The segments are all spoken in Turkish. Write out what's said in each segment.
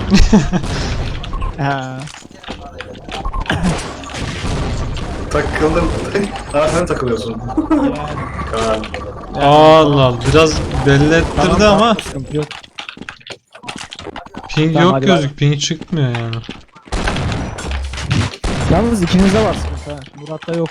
Ha. Takıldım. Ha sen takılıyorsun. Kaan. Allah Allah, biraz belli ettirdi Tamam, ama sıkıntı yok. ping Tamam, yok hadi gözük, ping çıkmıyor yani. Yalnız ikinizde var sıkıntı ha. Murat'ta yok.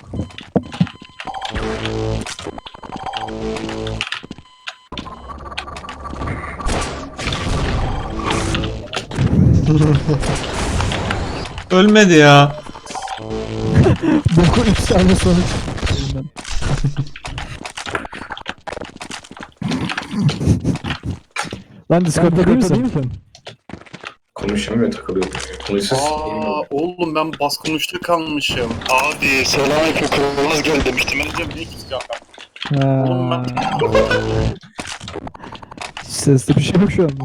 Ölmedi ya. Bokun 3 tane sonuç. Elimden. Lan Discord'da değil misin? Konuşamıyor, takılıyor. Konuşsuz. Oğlum ben bas konuşta kalmışım. Abi selamünaleyküm, kralınız geldi demiştim. Ben diyeceğim niye kimse cevap vermiyor? Oğlum Ha. ben... Sesli bir şey yok şu anda.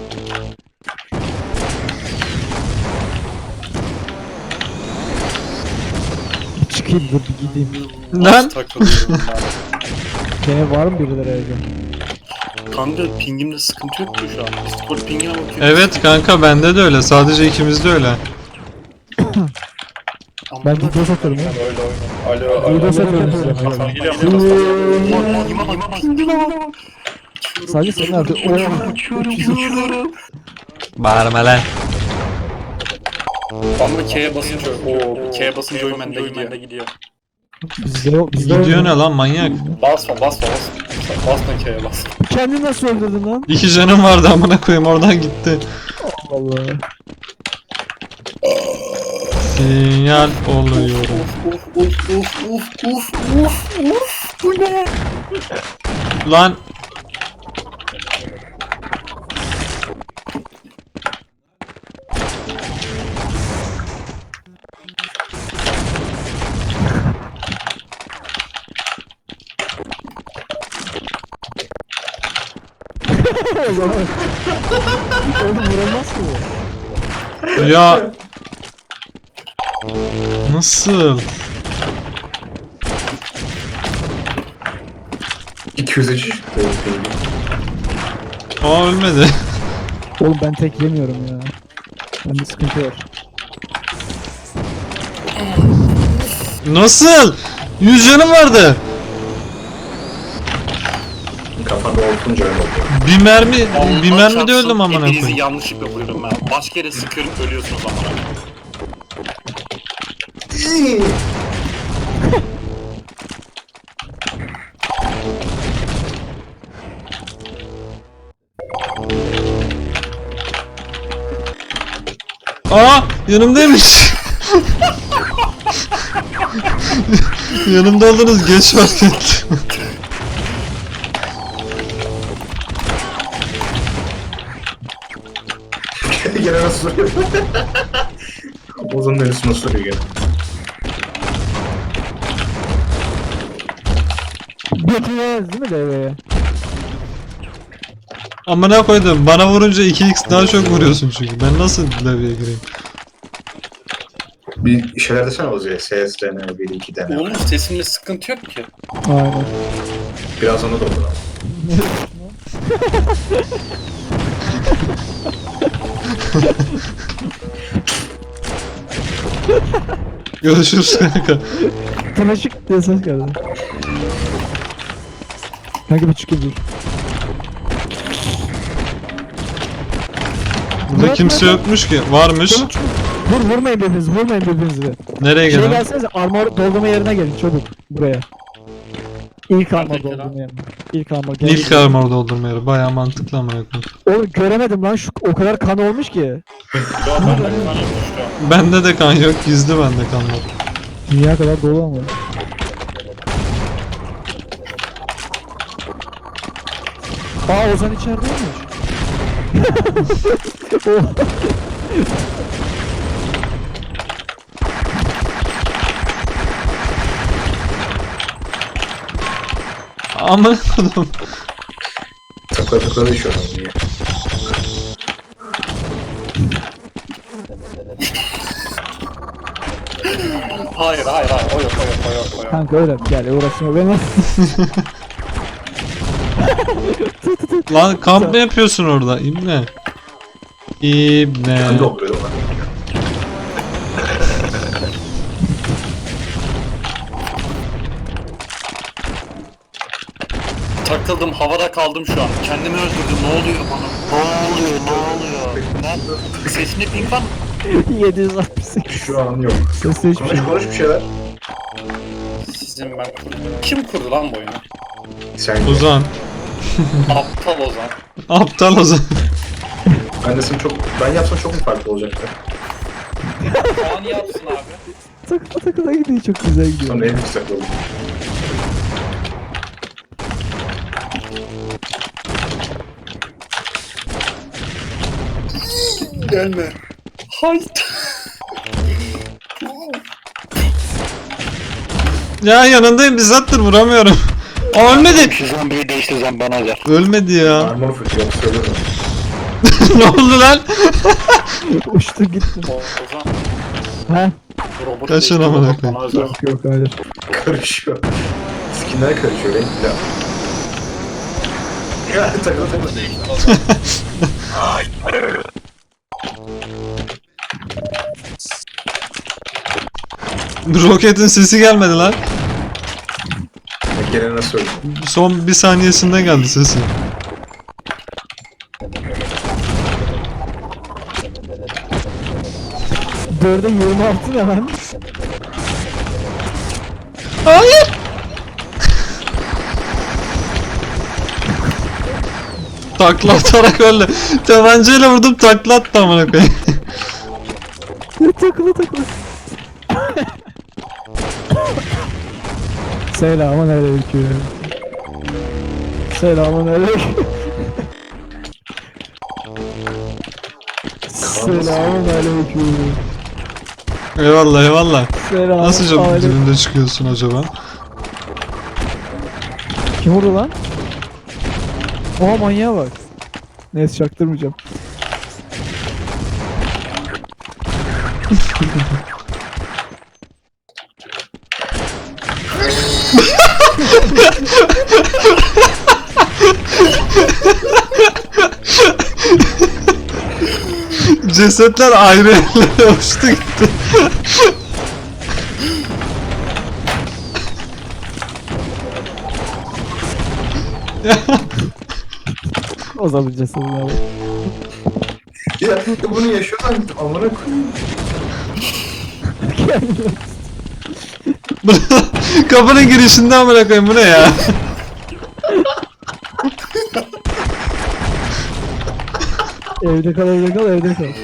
Bir çıkayım dur bir gideyim. Lan takılıyorum ben. Gene var mı birileri evde? Kanka pingimde sıkıntı yok ki şu an. Discord pingine bakıyorum. evet kanka, bende de öyle, sadece ikimizde öyle. Ama Ben bunlar- video satıyorum ya. Öyle oyna. Alo. Video satıyorum. Hasan geliyor. Geliyor. Sadece senin artık. Uçuyorum. Bağırma lan. Ama K'ye basınca K'ye basınca oyun bende gidiyor. Bizde yok. Bizde Gidiyor yok. ne lan manyak. Basma. Basma K'ye bas. Kendini nasıl öldürdün lan? 2 canım vardı amına koyayım, oradan gitti. Allah. Sinyal oluyorum. Uf. Bu ne? Lan O zaman. Oğlum vuramaz ki bu. ya nasıl? 203. Aa, ölmedi. Oğlum ben tek yemiyorum ya. Bende sıkıntı var. Nasıl? 100 canım vardı. Kafanda olsunca öyle oluyor. Bir mermi de öldüm amına Hepinizi koyayım. yanlışlıkla vuruyorum ben. Başka yere sıkıyorum, ölüyorsunuz amına. Aa, yanımdaymış. Yanımda oldunuz, geç fark ettim. Gene nasıl soruyor? Ozan'ın üstüne soruyor gene. Götürmez değil mi devreye? Amına koydum, bana vurunca 2x daha çok vuruyorsun çünkü. Ben nasıl devreye gireyim? Bir şeyler desene Ozu'ya. CS dene, 1 2 dene. Oğlum sesimde sıkıntı yok ki. Aynen. Biraz onu da olur ama. Görüşürüz kanka. Tanaşık diye ses geldi. Kanka bir çıkayım dur. Burada kimse yokmuş ki. Varmış. Vurmayın birbirinizi. Nereye Şey gidelim? gelsenize armor doldurma yerine gelin çabuk buraya. İlk armor Neredeki doldurma lan? yerine. İlk armor gel. İlk armor doldurma yeri. Bayağı mantıklı amına koyayım. Oğlum göremedim lan şu o kadar kan olmuş ki. Yo ben de kan yapmış şu an. Bende de kan yok. Gizli bende kan var. Dünya kadar dolu ama. Aa Ozan içerideymiş. O- Amına koydum. Takla düşüyor adam diye. Hayır. O yok. Kanka öyle gel uğraşma beni. Lan kamp mı yapıyorsun orada? İbne. İbne. Ben dolduruyorum lan. Takıldım, havada kaldım şu an. Kendimi öldürdüm. Ne oluyor bana? Ne oluyor? Ne? Sesini ping var mı? 768. Şu an yok. Sesli hiçbir şey. Konuş bir şeyler. Sizin ben. Kim kurdu lan bu oyunu? Sen Ozan. Aptal Ozan. Aptal Ozan. Ben yapsam çok mu farklı olacaktı? Kaan yapsın abi. Takıla takıla gidiyor, çok güzel gidiyor. Sonra en yüksek oldu. Gelme. Hayır. Ya yanındayım bizzattır vuramıyorum. Aa, ölmedi. Şu zombiyi değiştireceğim bana özel. Ölmedi ya. Armor fırçıyor, söylüyorum. Ne oldu lan? Uçtu gitti. Ozan. Ha? Robot Kaçın değiştirdim, amına bana özel. Yok yok hayır. Karışıyor. Skinler karışıyor, renkli. Ya takıl takıl. Roketin sesi gelmedi lan. Gene nasıl öldü? Son bir saniyesinde geldi sesi. Dörde 26 ne lan? Hayır. Takla atarak öldü. Tabancayla vurdum takla attı amına koyayım. Takıla takıla. Selamun aleyküm. Selamun aleyküm. Selamun aleyküm. Eyvallah eyvallah. Selamun Nasıl çok aleyküm. dibinde çıkıyorsun acaba? Kim vurdu lan? Oha manyağa bak. Neyse çaktırmayacağım. Cesetler ayrı yerlere uçtu gitti. O zaman cesedine bak. Ya bunu yaşıyorsan amına koyayım. Kapının girişinde amına koyayım bu ne ya? Evde kal evde kal evde kal.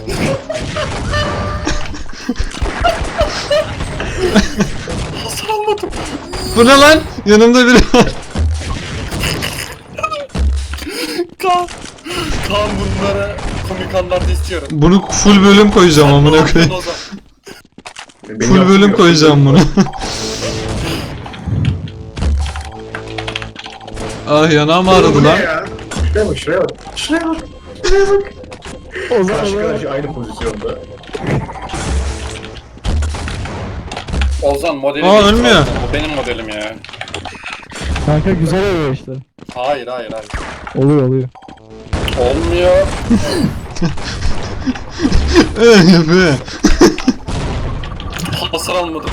Hasar almadım. Bu ne lan? Yanımda biri var. Kaan. Kaan bunlara komik anlarda istiyorum. Bunu full bölüm koyacağım amına koyayım. Ozan. Beni Full bölüm yaptırmıyor. koyacağım bunu. Ah yanağım ağrıdı Bu ne lan. ya? Şuraya bak, şuraya bak. Şuraya bak. Şuraya bak. O zaman Karşı karşı aynı pozisyonda. Ozan modeli Aa, değiştir ölmüyor. Ozan. Bu benim modelim ya. kanka güzel oluyor işte. Hayır. Oluyor. Olmuyor. Yapıyor. Hasar almadım.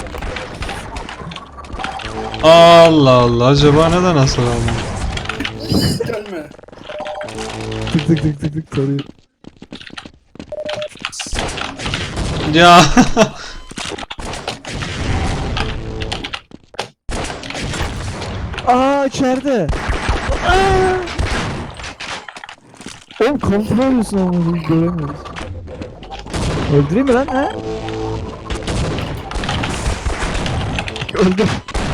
Allah Allah acaba neden hasar aldım? Gelme. Tık tık tık tık tık tarıyor. Ya Aa içeride. Aa! Oğlum kontrol ediyorsun ama biz göremiyoruz. Öldüreyim mi lan ha? Öldüm.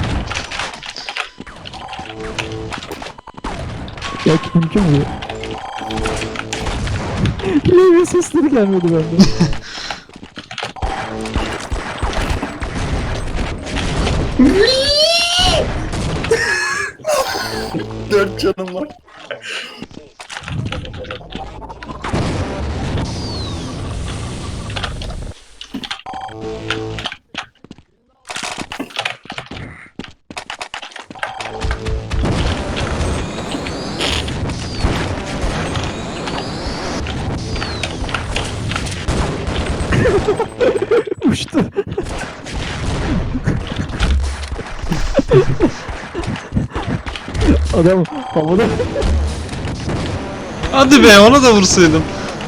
Ya kim vuruyor? Levye sesleri gelmedi bende. Dört canım var. Uçtu. Adam havada. Hadi be, onu da vursaydım.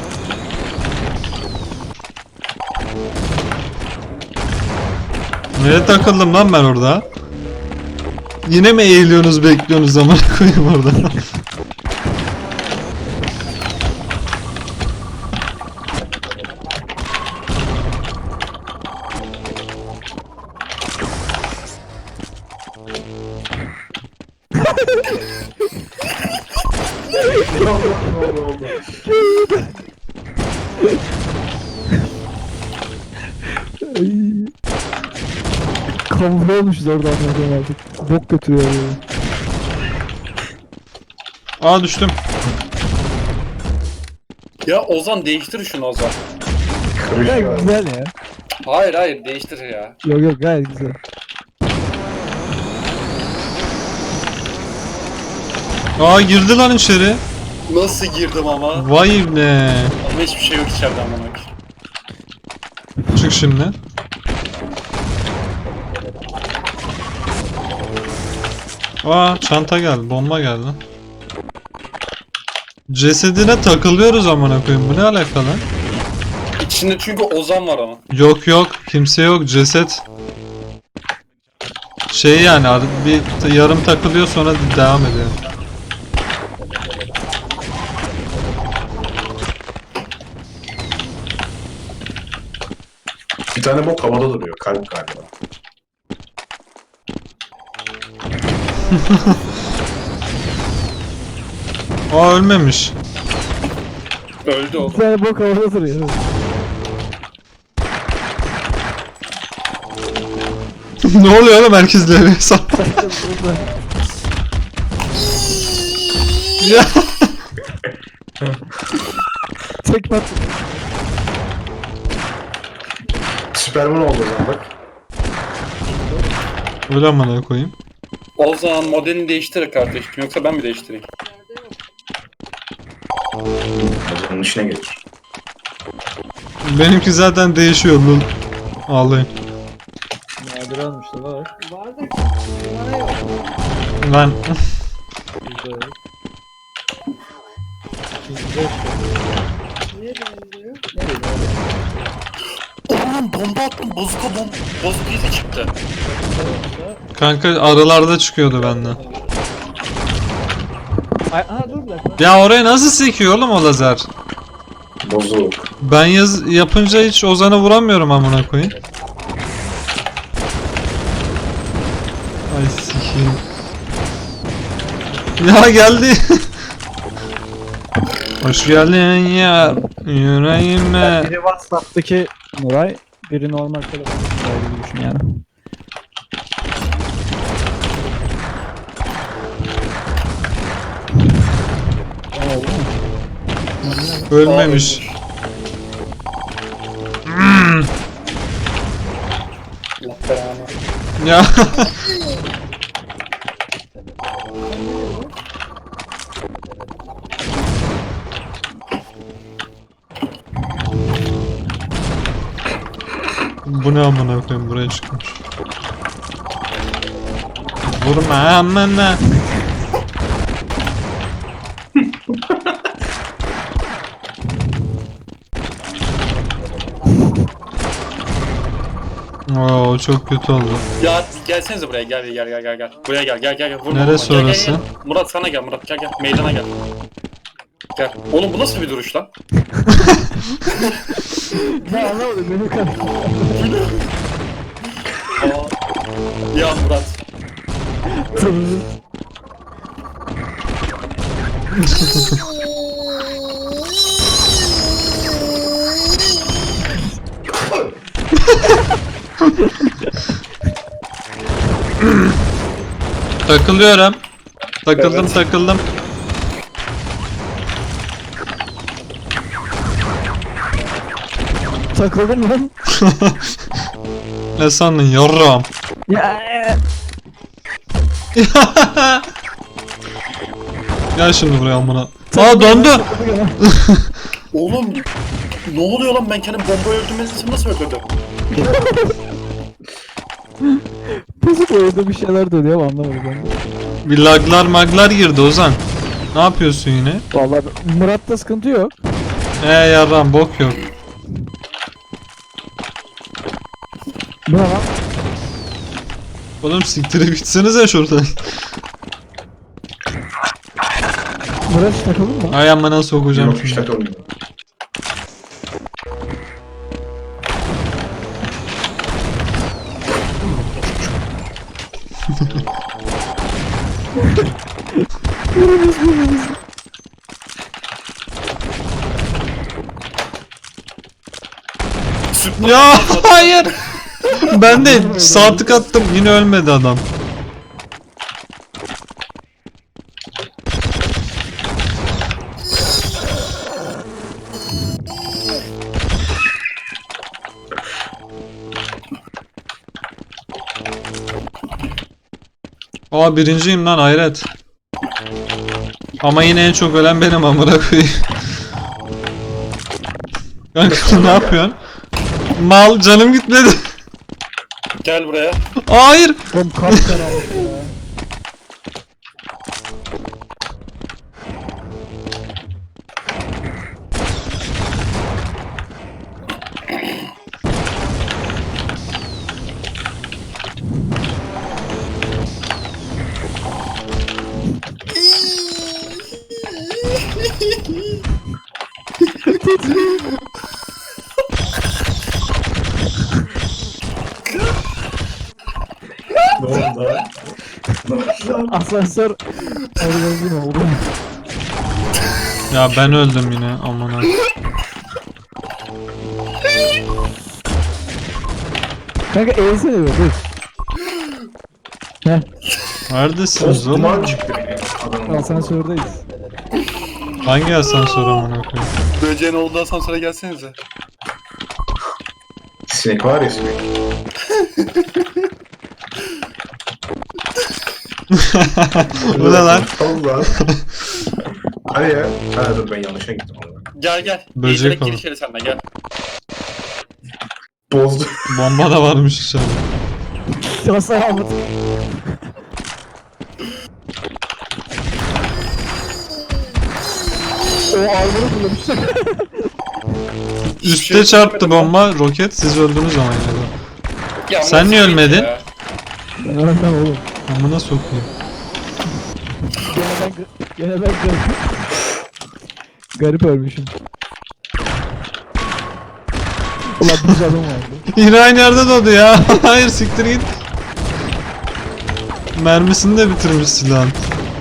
Nereye takıldım lan ben orada? Yine mi eğiliyorsunuz, bekliyorsunuz, zaman koyayım orada. Ne oldu? Ay. Kamufle olmuşuz orada anladım artık. Bok götürüyor yani. Aa, düştüm. Ya Ozan değiştir şunu Ozan. Gayet Kırışıyor. güzel ya. Hayır değiştir ya. Yok yok gayet güzel. Aa, girdi lan içeri. Nasıl girdim ama? Vay ne. Ama hiçbir şey yok içeriden bana. Çık şimdi. Aa, çanta geldi, bomba geldi. Cesedine takılıyoruz amına koyayım. Bu ne alakalı? İçinde çünkü Ozan var ama. Yok yok, kimse yok, ceset. Şey yani bir yarım takılıyor, sonra devam ediyor. Bir tane bok havada duruyor. Kalp galiba. Aa, ölmemiş. Öldü Bir oğlum. tane bok havada duruyor. Ne oluyor oğlum, herkes leve hesap. Ya. Tekme at. Süperman oldu o zaman bak. Öyle amına koyayım. Ozan modelini değiştir kardeşim. Yoksa ben mi değiştireyim? Onun işine gelir. Benimki zaten değişiyor lan. Ağlayın. Nadir almışlar var. Lan. Oğlum bomba attım. Bozuka izi çıktı. Kanka aralarda çıkıyordu benden. Ay, aha dur bir dakika. Ya oraya nasıl sekiyor oğlum o lazer? Bozuk. Ben yapınca hiç Ozan'ı vuramıyorum amına koyayım. Ay sikeyim. Ya geldi. Hoş geldin ya yüreğime. Biri WhatsApp'taki Nuray, biri normal telefon Nuray gibi düşün yani. Ölmemiş. Allah belanı. Ya. Bu ne amına koyayım, buraya çıkmış. Vurma amına. Oo, çok kötü oldu. Ya gelsenize buraya gel. Buraya gel. Vurma, Neresi vurma. Gel, orası? Murat sana gel Murat gel. Meydana gel. Gel. Oğlum bu nasıl bir duruş lan? Ya anlamadım benim kadar. Ya Murat. Takılıyorum. Takıldım Evet. takıldım. Takıldım lan. Ne sandın yarram? Ya. Gel şimdi buraya amına. Aa, döndü. Oğlum Ne oluyor lan, ben kendim bomba öldürmesini nasıl öldürdüm? Bozuk oyunda bir şeyler dönüyor ama anlamadım ben de. Bir laglar maglar girdi Ozan. Ne yapıyorsun yine? Vallahi Murat'ta sıkıntı yok. Yarram bok yok. Bu ne lan? Oğlum siktirip gitsenize şuradan. Murat hiç takıldın mı? Ay amına sokacağım Yok işte şimdi. takılmıyor. Ya hayır. Ben de sağ tık attım yine ölmedi adam. Aa birinciyim lan hayret. Ama yine en çok ölen benim amına koyayım. Kanka ne yapıyorsun? Mal canım gitmedi. Gel buraya. Hayır. Oğlum kapkara oldu ya. Ne oldu lan? Asansör organizm oldu. Ya ben öldüm yine amına. Kanka eğilsene be dur. Heh, Neredesiniz oğlum? Duman çıktı adamın. asansördeyiz. Hangi asansör amına koyayım? Böceğin olduğu asansöre gelsenize. Sinek var ya sinek. Bu ne lan? Allah. Hadi ya. Ha dur ben yanlışa gittim orada. Gel gel. Böcek Eğilerek olan. gir içeri sen de gel. Bozdu. Bomba da varmış içeride. Hasar almadık. O armoru kullanmışlar. Üste çarptı bomba roket siz öldünüz ama yine de. Ya, Sen nasıl niye bir ölmedin? ya? Ben öğrenmem oğlum. Amına sokayım. Gene ben garip. Garip ölmüşüm. Ulan bir canım vardı. Yine aynı yerde doğdu ya. Hayır siktir git. Mermisini de bitirmiş silahın.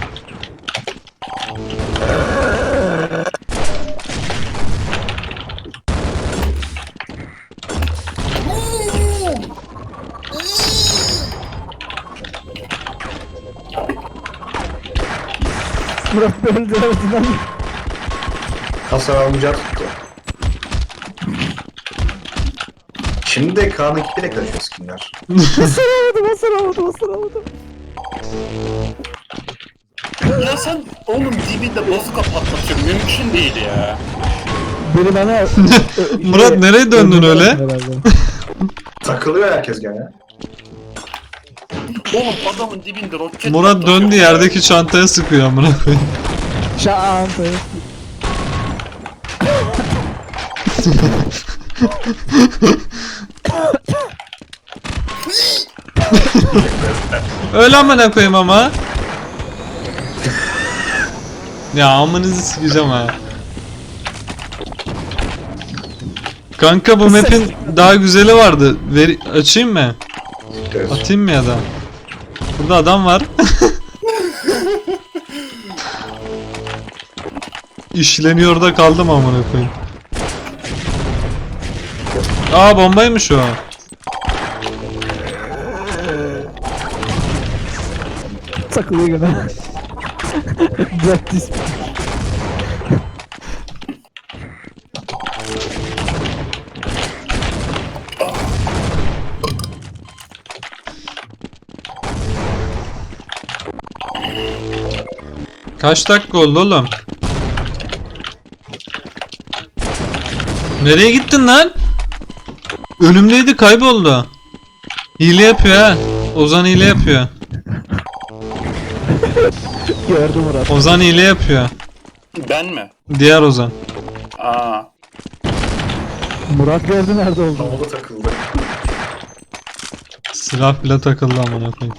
Murat öldü arasından. Hasar almayacak tuttu. Şimdi de Kaan'ın kitle karışıyor skinler. Hasar almadım. Ya sen oğlum dibinde bazuka patlatıyorsun. Mümkün değil ya. Beni bana... Murat nereye döndün öyle? Herhalde. Takılıyor herkes gene. Oğlum adamın dibinde roket Murat patlatıyor döndü ya. yerdeki çantaya sıkıyor amına koyayım. Şanta. Öyle amına koyayım ama. Ya amınızı sikeceğim ha. Kanka bu map'in daha güzeli vardı. Açayım mı? Evet. Atayım mı ya da? Burada adam var. İşleniyor da kaldım amına koyayım. Aa bombaymış o. Takılıyor gene. Practice. Kaç dakika oldu oğlum? Nereye gittin lan? Önümdeydi, kayboldu. Hile yapıyor ha. Ozan hile yapıyor. Gördüm Murat. Ozan hile yapıyor. Ben mi? Diğer Ozan. Aa. Murat gördü nerede olduğunu. Havada takıldı. Silah bile takıldı amına koyayım.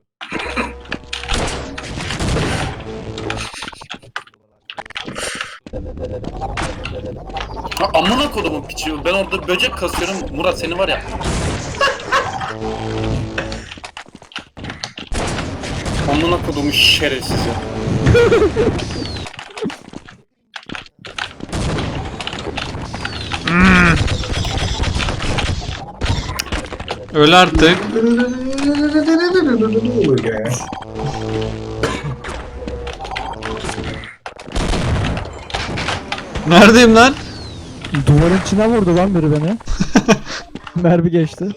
Ha, amına kodumun piçi. Ben orada böcek kasıyorum. Murat seni var ya. Amına kodumun şerefsizi. Öl artık. Ne oluyor ya? Neredeyim lan? Duvarın içine vurdu lan biri beni. Mermi geçti.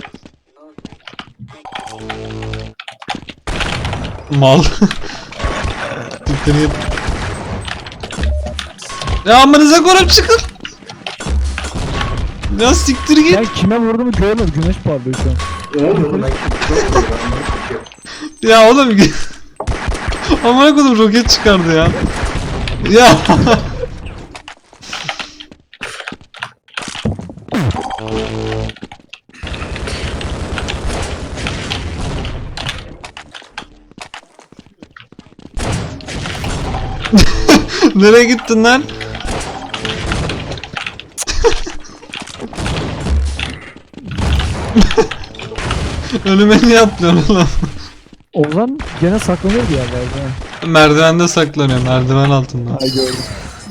Mal. Siktir git. Ya amınıza koyup çıkın. Ya siktir git. Ben kime vurduğumu görmedim. Güneş parlıyor şu an. Oğlum ben Ya oğlum amına koydum, roket çıkardı ya. Ya. Nereye gittin lan? Önüme niye atlıyorsun oğlum? Ozan gene saklanıyor bir yerlerde. ha. Merdivende saklanıyor, merdiven altında. Ay gördüm.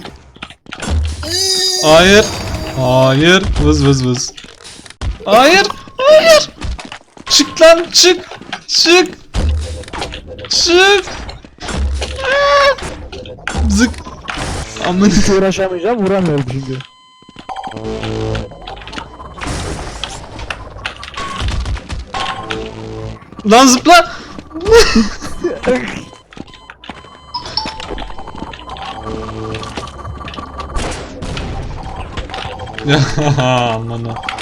Hayır. Hayır. Vız vız vız. Hayır. Hayır. Çık lan, çık. Çık. Çık. Aa! Zık. Amın. Hiç uğraşamayacağım. Vuramıyorum çünkü. Lan zıpla. Ya aman ha.